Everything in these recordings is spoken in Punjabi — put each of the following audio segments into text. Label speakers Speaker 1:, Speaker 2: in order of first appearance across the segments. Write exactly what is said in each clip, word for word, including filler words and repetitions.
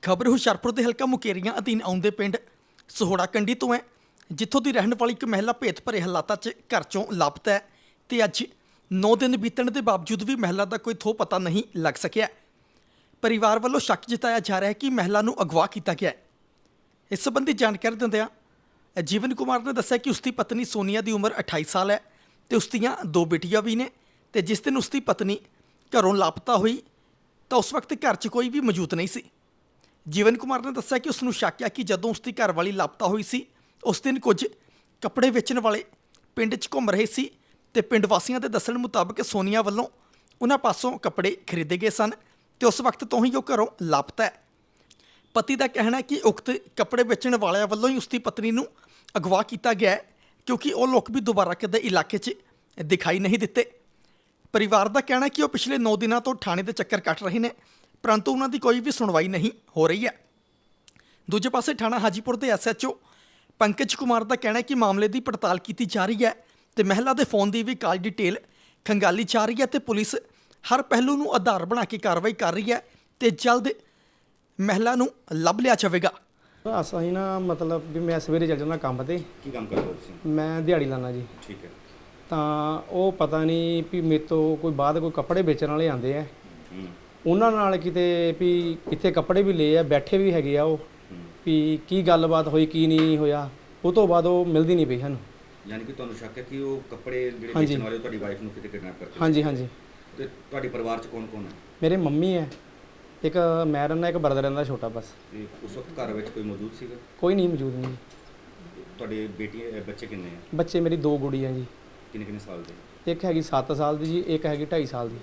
Speaker 1: खबर हुशियारपुर के हल्का मुकेरियां अधीन आउंदे पिंड सहोड़ा कंडी तो है, जिथों की रहने वाली एक महिला भेत भरे हालातों च घर चों लापता है ते अज नौ दिन बीतण के बावजूद भी महिला का कोई थो पता नहीं लग सकिया। परिवार वालों शक जताया जा रहा है कि महिला नूं अगवा किया गया है। इस संबंधी जानकारी दिंदिआं जीवन कुमार ने दस्सिया कि उसकी पत्नी सोनिया की उम्र अठाई साल है तो उसदियां दो बेटियां भी ने ते जिस दिन उसकी पत्नी घरों लापता हुई तो उस वक्त घर च कोई भी मौजूद नहीं सी। जीवन कुमार ने दस्सिया कि उसनूं शक है कि जदों उसकी घरवाली लापता हुई सी उस दिन कुछ कपड़े वेचण वाले पिंड च घूम रहे सी ते पिंड वासियों के दस्सण मुताबक सोनिया वालों उन्हां पासों कपड़े खरीदे गए सन ते उस वक्त तो ही वो घरों लापता है। पति का कहना है कि उक्त कपड़े बेचण वालियां वालों ही उसकी पत्नी नूं अगवा किया गया है, क्योंकि वो लोग भी दोबारा कदे इलाके च दिखाई नहीं दिते। परिवार का कहना है कि वो पिछले नौ दिनों तो थाने के चक्कर कट रहे हैं, परंतु उन्होंने कोई भी सुनवाई नहीं हो रही है। दूजे पासे थाना हाजीपुर के S H O Pankaj Kumar का कहना है कि मामले की पड़ताल की जा रही है तो महिला के फोन की भी कॉल डिटेल खंगाली जा रही है तो पुलिस हर पहलू को आधार बना के कार्रवाई कर रही है तो जल्द महिला को लभ लिया जाएगा।
Speaker 2: ਅਸੀਂ ਨਾ ਮਤਲਬ ਵੀ ਮੈਂ ਸਵੇਰੇ ਚੱਲ ਜਾਂਦਾ ਕੰਮ ਤੇ।
Speaker 3: ਕੀ ਕੰਮ ਕਰਦੇ ਹੋ ਤੁਸੀਂ?
Speaker 2: ਮੈਂ ਦਿਹਾੜੀ ਲਾਣਾ ਜੀ।
Speaker 3: ਠੀਕ ਹੈ।
Speaker 2: ਤਾਂ ਉਹ ਪਤਾ ਨਹੀਂ ਵੀ ਮੇਰੇ ਤੋਂ ਕੋਈ ਬਾਅਦ ਕੋਈ ਕੱਪੜੇ ਵੇਚਣ ਵਾਲੇ ਆਂਦੇ ਆ,
Speaker 3: ਹੂੰ
Speaker 2: ਉਹਨਾਂ ਨਾਲ ਕਿਤੇ ਵੀ ਇੱਥੇ ਕੱਪੜੇ ਵੀ ਲਏ ਆ, ਬੈਠੇ ਵੀ ਹੈਗੇ ਆ ਉਹ ਵੀ ਕੀ ਗੱਲਬਾਤ ਹੋਈ ਕੀ ਨਹੀਂ ਹੋਇਆ, ਉਹ ਤੋਂ ਬਾਅਦ ਉਹ ਮਿਲਦੀ ਨਹੀਂ ਪਈ ਸਾਨੂੰ।
Speaker 3: ਯਾਨੀ ਕਿ ਤੁਹਾਨੂੰ ਸ਼ੱਕ ਹੈ ਕਿ ਉਹ ਕੱਪੜੇ ਜਿਹੜੇ
Speaker 2: ਹਾਂਜੀ।
Speaker 3: ਵੇਚਣ ਵਾਲੇ ਉਹ ਤੁਹਾਡੀ ਵਾਈਫ ਨੂੰ ਕਿਤੇ ਕਿਡਨੈਪ ਕਰਦੇ?
Speaker 2: ਹਾਂਜੀ ਹਾਂਜੀ।
Speaker 3: ਤੇ ਤੁਹਾਡੇ ਪਰਿਵਾਰ 'ਚ ਕੌਣ ਕੌਣ ਹੈ?
Speaker 2: ਮੇਰੇ ਮੰਮੀ ਹੈ, ਇੱਕ ਮੈਂ ਰਹਿੰਦਾ, ਇੱਕ ਬਰਦਰ ਰਹਿੰਦਾ ਛੋਟਾ ਬਸ।
Speaker 3: ਤੇ ਉਸ ਵਕਤ ਘਰ ਵਿੱਚ ਕੋਈ ਮੌਜੂਦ ਸੀਗਾ?
Speaker 2: ਕੋਈ ਨਹੀਂ ਮੌਜੂਦ ਨਹੀਂ।
Speaker 3: ਤੁਹਾਡੇ ਬੇਟੀਆਂ ਬੱਚੇ ਕਿੰਨੇ ਆ?
Speaker 2: ਬੱਚੇ ਮੇਰੀ ਦੋ ਗੁੜੀਆਂ ਜੀ।
Speaker 3: ਕਿੰਨੇ ਕਿੰਨੇ ਸਾਲ ਦੇ?
Speaker 2: ਇੱਕ ਹੈਗੀ ਸੱਤ ਸਾਲ ਦੀ ਜੀ, ਇੱਕ ਹੈਗੀ ਢਾਈ ਸਾਲ ਦੀ।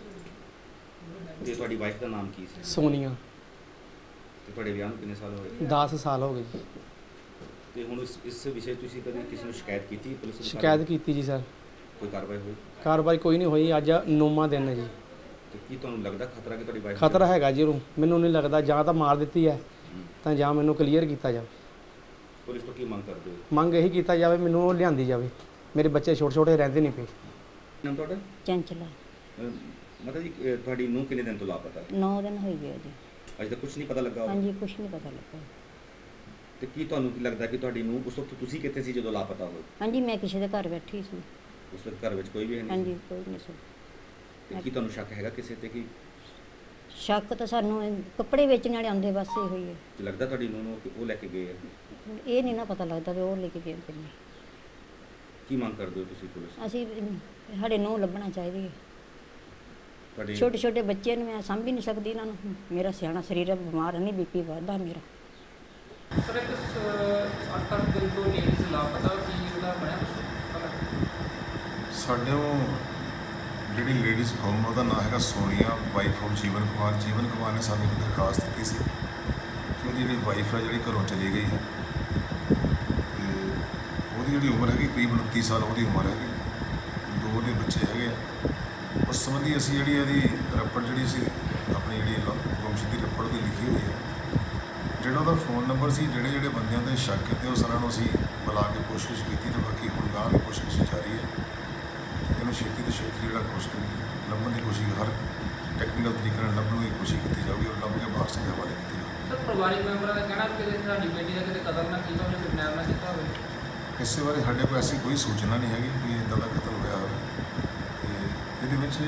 Speaker 3: ਤੇ ਤੁਹਾਡੀ ਵਾਈਫ ਦਾ ਨਾਮ ਕੀ ਸੀ?
Speaker 2: ਸੋਨੀਆ।
Speaker 3: ਤੇ ਤੁਹਾਡੇ ਵਿਆਹ ਨੂੰ ਕਿੰਨੇ ਸਾਲ ਹੋਏ?
Speaker 2: ਦਸ ਸਾਲ ਹੋ ਗਏ ਜੀ।
Speaker 3: ਤੇ ਹੁਣ ਇਸ ਇਸ ਵਿਸ਼ੇ ਤੁਸੀਂ ਕਦੇ ਕਿਸੇ ਨੂੰ ਸ਼ਿਕਾਇਤ ਕੀਤੀ ਪੁਲਿਸ ਨੂੰ?
Speaker 2: ਸ਼ਿਕਾਇਤ ਕੀਤੀ ਜੀ ਸਰ।
Speaker 3: ਕੋਈ ਕਾਰਵਾਈ ਹੋਈ?
Speaker 2: ਕਾਰਵਾਈ ਕੋਈ ਨਹੀਂ ਹੋਈ। ਅੱਜ ਨੌਵਾਂ ਦਿਨ ਹੈ ਜੀ।
Speaker 3: ਤੇ ਕੀ ਤੁਹਾਨੂੰ ਲੱਗਦਾ ਖਤਰਾ ਕਿ ਤੁਹਾਡੀ ਵਾਈਫ?
Speaker 2: ਖਤਰਾ ਹੈਗਾ ਜੀ ਉਹਨੂੰ, ਮੈਨੂੰ ਨਹੀਂ ਲੱਗਦਾ। ਜਾਂ ਤਾਂ ਮਾਰ ਦਿੱਤੀ ਹੈ ਤਾਂ ਜਾਂ ਮੈਨੂੰ ਕਲੀਅਰ ਕੀਤਾ ਜਾਵੇ।
Speaker 3: ਪੁਲਿਸ ਤੋਂ ਕੀ ਮੰਗ ਕਰਦੇ ਹੋ?
Speaker 2: ਮੰਗ ਇਹੀ ਕੀਤਾ ਜਾਵੇ ਮੈਨੂੰ ਉਹ ਲਿਆਂਦੀ ਜਾਵੇ। ਮੇਰੇ ਬੱਚੇ ਛੋਟੇ ਛੋਟੇ ਰਹਿੰਦੇ ਨਹੀਂ ਪਏ।
Speaker 3: ਨਾਮ ਤੁਹਾਡਾ?
Speaker 4: ਚੰਚਲਾ।
Speaker 3: ਮਤਲਬ ਜੀ ਅਹ ਤੁਹਾਡੀ ਨੂੰ ਕਿੰਨੇ ਦਿਨ ਤੋਂ ਲਾਪਤਾ?
Speaker 4: ਨੌ ਦਿਨ ਹੋ ਗਏ ਜੀ।
Speaker 3: ਅਜੇ ਤੱਕ ਕੁਝ ਨਹੀਂ ਪਤਾ ਲੱਗਾ?
Speaker 4: ਹਾਂਜੀ, ਕੁਝ ਨਹੀਂ ਪਤਾ ਲੱਗਾ।
Speaker 3: ਤੇ ਕੀ ਤੁਹਾਨੂੰ ਕੀ ਲੱਗਦਾ ਕਿ ਤੁਹਾਡੀ ਨੂੰ ਉਸ ਵਕਤ ਤੁਸੀਂ ਕਿੱਥੇ ਸੀ ਜਦੋਂ ਲਾਪਤਾ ਹੋਏ?
Speaker 4: ਹਾਂਜੀ, ਮੈਂ ਕਿਸੇ ਦੇ ਘਰ ਬੈਠੀ ਸੀ।
Speaker 3: ਉਸ ਵਕਤ ਘਰ ਵਿੱਚ ਕੋਈ ਵੀ ਹੈ ਨਹੀਂ?
Speaker 4: ਹਾਂਜੀ, ਕੋਈ ਨਹੀਂ ਸੀ।
Speaker 3: ਤੇ ਕੀ ਤੁਹਾਨੂੰ ਸ਼ੱਕ ਹੈਗਾ ਕਿਸੇ ਤੇ ਕਿ
Speaker 4: ਸ਼ੱਕ ਤਾਂ ਸਾਨੂੰ ਇਹ ਕੱਪੜੇ ਵੇਚਣ ਵਾਲੇ ਆਉਂਦੇ ਬਸ ਇਹੋ ਹੀ ਹੈ।
Speaker 3: ਕੀ ਲੱਗਦਾ ਤੁਹਾਡੀ ਨੂੰ ਨੂੰ ਕਿ ਉਹ ਲੈ ਕੇ ਗਏ ਆ?
Speaker 4: ਇਹ ਨਹੀਂ ਨਾ ਪਤਾ ਲੱਗਦਾ ਵੀ ਉਹ ਲੈ ਕੇ ਗਏ ਕਿ ਨਹੀਂ।
Speaker 3: ਕੀ ਮੰਗ ਕਰਦੇ ਹੋ ਤੁਸੀਂ ਪੁਲਿਸ ਤੋਂ?
Speaker 4: ਅਸੀਂ ਸਾਡੇ ਨੂੰ ਲੱਭਣਾ ਚਾਹੀਦੀ ਹੈ।
Speaker 3: ਤੁਹਾਡੇ
Speaker 4: ਛੋਟੇ ਛੋਟੇ ਬੱਚੇ ਨੂੰ ਮੈਂ ਸਾਂਭ ਹੀ ਨਹੀਂ ਸਕਦੀ ਇਹਨਾਂ ਨੂੰ। ਮੇਰਾ ਸਿਆਣਾ ਸਰੀਰ ਹੈ, ਬਿਮਾਰ ਨਹੀਂ, ਬੀਪੀ ਵੱਧਦਾ ਮੇਰਾ।
Speaker 5: ਸਰ ਇੱਕ ਅੱਠ ਅੱਠ ਦਿਨ ਤੋਂ ਲੇਡੀਜ਼ ਲਾਪਤਾ, ਕੀ ਉਹਦਾ ਬਣਿਆ ਪਤਾ ਲੱਗਾ?
Speaker 6: ਸਾਡੇ ਉਹ ਜਿਹੜੀ ਲੇਡੀਜ਼ ਕੌਮ ਉਹਦਾ ਨਾਮ ਹੈਗਾ ਸੋਨੀਆ, ਵਾਈਫ ਆਫ ਜੀਵਨ ਕੁਮਾਰ। ਜੀਵਨ ਕੁਮਾਰ ਨੇ ਸਾਨੂੰ ਇੱਕ ਦਰਖਾਸਤ ਦਿੱਤੀ ਸੀ ਕਿ ਉਹਦੀ ਜਿਹੜੀ ਵਾਈਫ ਹੈ ਜਿਹੜੀ ਘਰੋਂ ਚਲੀ ਗਈ ਹੈ ਤੇ ਉਹਦੀ ਜਿਹੜੀ ਉਮਰ ਹੈਗੀ ਕਰੀਬ ਉਨੱਤੀ ਸਾਲ ਉਹਦੀ ਉਮਰ ਹੈਗੀ। ਦੋ ਉਹਦੇ ਬੱਚੇ ਹੈਗੇ ਆ। ਉਸ ਸੰਬੰਧੀ ਅਸੀਂ ਜਿਹੜੀ ਇਹਦੀ ਰੱਪੜ ਜਿਹੜੀ ਸੀ ਆਪਣੀ ਜਿਹੜੀ ਗੁੰਮਸ਼ੁਦਗੀ ਦੀ ਰੱਪੜ ਦੀ ਲਿਖੀ ਹੋਈ ਹੈ। ਜਿਹੜਾ ਉਹਦਾ ਫੋਨ ਨੰਬਰ ਸੀ, ਜਿਹੜੇ ਜਿਹੜੇ ਬੰਦਿਆਂ 'ਤੇ ਸ਼ੱਕ ਕੀਤੇ ਉਹ ਸਾਰਿਆਂ ਨੂੰ ਅਸੀਂ ਬੁਲਾ ਕੇ ਕੋਸ਼ਿਸ਼ ਕੀਤੀ ਤੇ ਬਾਕੀ ਹੁਣ ਗਾਂਹ ਵੀ ਕੋਸ਼ਿਸ਼ ਜਾਰੀ ਹੈ। ਇਹਨੂੰ ਛੇਤੀ ਤੋਂ ਛੇਤੀ ਜਿਹੜਾ ਕੋਸ਼ਿਸ਼ ਲੱਭਣ ਦੀ ਕੋਸ਼ਿਸ਼ ਹਰ ਟੈਕਨੀਕਲ ਤਰੀਕੇ ਨਾਲ ਲੱਭਣ ਦੀ ਕੋਸ਼ਿਸ਼ ਕੀਤੀ ਜਾਊਗੀ ਔਰ ਲੱਭ ਕੇ ਬਾਹਰ ਦੇ ਹਵਾਲੇ ਕੀਤੀ ਜਾਊਗੀ।
Speaker 5: ਸਰ ਪਰਿਵਾਰਿਕ ਮੈਂਬਰਾਂ ਦਾ ਕਹਿਣਾ ਕਿ ਕਿਤੇ ਸਾਡੀ ਬੇਟੀ ਦਾ ਕਿਤੇ ਕਤਲ ਨਾ ਕੀਤਾ ਹੋਵੇ, ਕਿਡਨੈਪ ਨਾ ਕੀਤਾ ਹੋਵੇ।
Speaker 6: ਇਸੇ ਬਾਰੇ ਸਾਡੇ ਕੋਲ ਐਸੀ ਕੋਈ ਸੂਚਨਾ ਨਹੀਂ ਹੈਗੀ ਕਿ ਇੱਦਾਂ ਦਾ ਕਤਲ ਹੋਇਆ ਹੋਵੇ। ਤੇ ਇਹਦੇ ਵਿੱਚ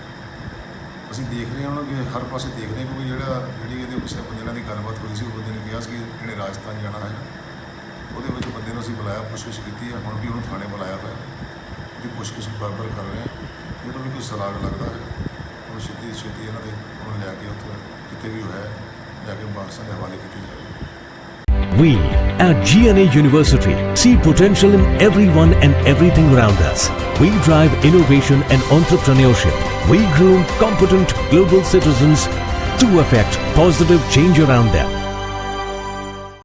Speaker 6: ਅਸੀਂ ਦੇਖ ਰਹੇ ਹਾਂ ਕਿ ਹਰ ਪਾਸੇ ਦੇਖ ਰਹੇ ਕਿਉਂਕਿ ਜਿਹੜਾ ਜਿਹੜੀ ਇਹਦੇ ਪਿੱਛੇ ਬੰਦੇ ਨਾਲ ਦੀ ਗੱਲਬਾਤ ਹੋਈ ਸੀ ਉਹ ਬੰਦੇ ਨੇ ਕਿਹਾ ਸੀ ਕਿ ਇਹਨੇ ਰਾਜਸਥਾਨ ਜਾਣਾ ਹੈ। ਉਹਦੇ ਵਿੱਚ ਬੰਦੇ ਨੂੰ ਅਸੀਂ ਬੁਲਾਇਆ, ਪੁੱਛਗਿੱਛ ਕੀਤੀ ਹੈ। ਹੁਣ ਵੀ ਉਹਨੂੰ ਥਾਣੇ ਬੁਲਾਇਆ ਹੋਇਆ, ਉਹਦੀ ਪੁੱਛਗਿੱਛ ਬਰਾਬਰ ਕਰ ਰਹੇ ਹਾਂ। ਜਦੋਂ ਵੀ ਕੋਈ ਸਰਾਗ ਲੱਗਦਾ ਹੈ ਉਹਨੂੰ ਛੇਤੀ ਛੇਤੀ ਇਹਨਾਂ ਦੇ ਉਹਨੂੰ ਲਿਆ ਕੇ ਉੱਥੇ ਕਿਤੇ ਵੀ ਹੋਇਆ ਜਾ ਕੇ ਬਾਰਸਾਂ ਦੇ ਹਵਾਲੇ ਕੀਤੀ ਜਾਵੇਗੀ।
Speaker 7: We at G N A University see potential in everyone and everything around us. We drive innovation and entrepreneurship. We groom competent global citizens to affect positive change around them.